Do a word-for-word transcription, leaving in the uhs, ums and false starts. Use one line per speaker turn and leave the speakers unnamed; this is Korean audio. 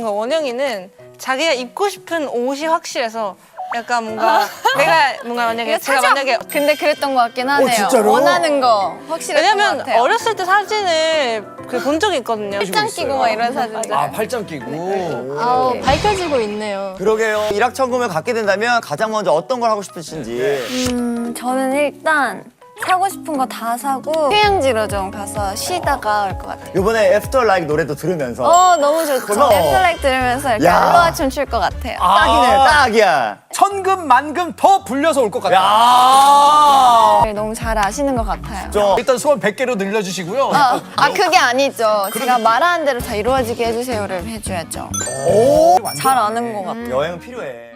뭔가 원영이는 자기가 입고 싶은 옷이 확실해서 약간 뭔가 내가 뭔가 만약에 제가 만약에
근데 그랬던 것 같긴 하네요.
진짜로?
원하는 거 확실했던
왜냐면
것 같아요.
어렸을 때 사진을 그 본 적이 있거든요.
팔짱 끼고 막 이런 사진들.
아 팔짱 끼고.
아우, 밝혀지고 있네요.
그러게요. 일확천금을 갖게 된다면 가장 먼저 어떤 걸 하고 싶으신지.
음, 저는 일단 사고 싶은 거 다 사고 휴양지로 좀 가서 쉬다가 올 것 같아요.
이번에 애프터 라이크 노래도 들으면서
어, 너무 좋죠.
그럼.
넷플릭 들으면서 이렇게
야.
알로하 춤출 것 같아요.
딱이네, 딱이야.
천금 만금 더 불려서 올 것 같아요.
야.
너무 잘 아시는 것 같아요.
좀
일단 소원 백 개로 늘려주시고요.
아, 아, 그게 아니죠. 제가 말하는 대로 다 이루어지게 해주세요를 해줘야죠.
오.
잘 아는 것 같아요.
여행은 필요해.